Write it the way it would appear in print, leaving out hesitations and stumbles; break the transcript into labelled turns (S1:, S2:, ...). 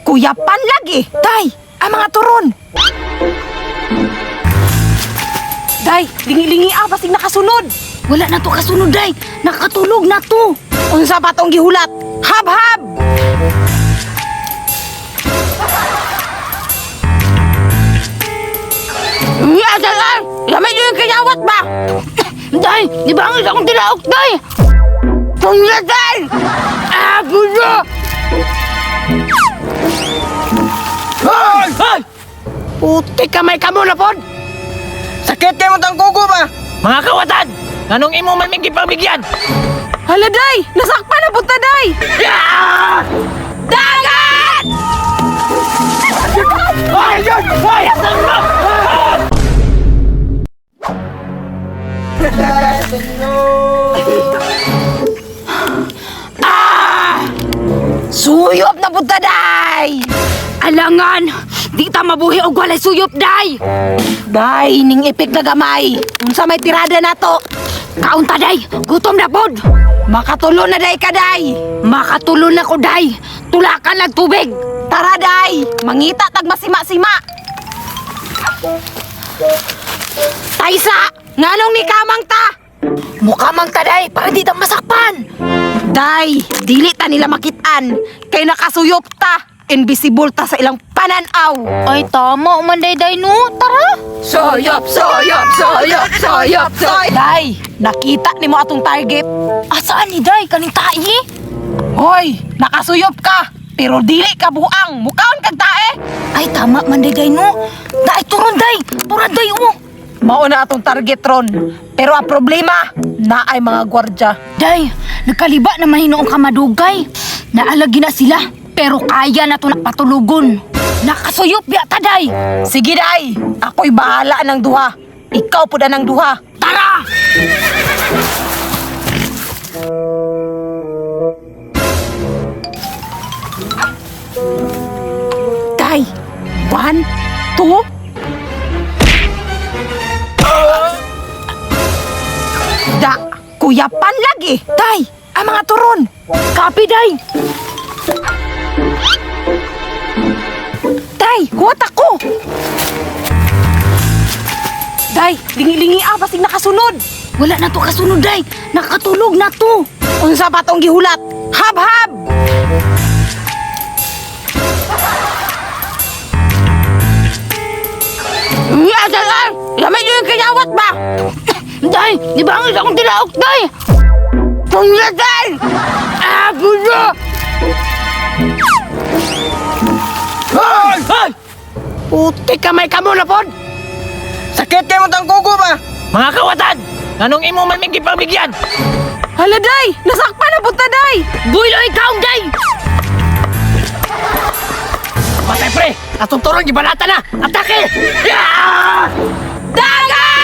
S1: kuyapan lagi. Day, ang mga turon. Day, lingi-lingi basig nakasunod.
S2: Wala na to kasunod, day. Nakatulog na to.
S1: Unsa pa tong gihulat? Hab-hab! Iya, dalan! Lamay nyo yung kanyawat ba?
S2: Day, di ba ang akong tilaok, day?
S1: Tunglatan! Gulo! Hoy! Hoy! Puti kamay ka mo na, pod! Sakit kayo mo tang kuko ba?
S3: Mga kawatan! Anong imo man may gipamigyan?
S1: Hala, day! Nasakpan na punta, day! Dagat!
S3: Hoy! Hoy! Asan mo?
S1: Suyop na punta, day!
S2: Alangan! Di ta mabuhi og walay suyop, day!
S1: Day, ning ipik na gamay. Unsa may tirada na to?
S2: Kaunta, day! Gutom na pod!
S1: Makatulo na, day ka, day!
S2: Makatulon na ko, day! Tulakan lang tubig!
S1: Tara, day! Mangita tag masima-sima! Taysa! Nganong ni kamang ta?
S2: Mukha mang ta, day! Para di ta masakpan!
S1: Day, dili ta nila makitaan. Kay nakasuyop ta. Invisible ta sa ilang pananaw.
S2: Ay, tama man, day, no? Tara!
S1: Soyop, soyop, soyop, soyop, soyop. Day, nakita ni mo atong target.
S2: Asaan ni day? Kaning tae?
S1: Hoy, nakasuyop ka. Pero dili ka buang. Mukhaon kag tae.
S2: Ay, tama man, day, no? Day, turon, day! Turan, day, oh!
S1: Mauna atong target ron. Pero ang problema, na ay mga gwardya.
S2: Day, nagkaliba na mahinoong kamadugay. Naalagi na sila, pero kaya na to napatulugon. Nakasuyop yata, day!
S1: Sige, day. Ako'y bahala ng duha. Ikaw po na ng duha.
S2: Tara!
S1: Day, 1, 2. Da, kuyapan lagi. Day, ang mga turon.
S2: Kapi, day!
S1: Day, huwat ako. Day, lingi-lingi basig nakasunod.
S2: Wala na to kasunod, day! Nakatulog na to!
S1: Unsa pa tong gihulat? Hab-hab! Iya, dalan! Lamay nyo yung kanyawat ba?
S2: Day, di ba ang akong tilaok, day?
S1: Tunglatan! Gulo!
S3: Hoy! Hoy!
S1: Puti kamay ka mo na, pod! Sakit kayo mo tang kuko ba?
S3: Mga kawatan! Anong imo man may gipamigyan?
S1: Hala, day! Nasakpan na punta, day!
S2: Builo ikaw, day!
S3: Patay pre! Atong turong gibalata na! Atake!
S1: Dagat!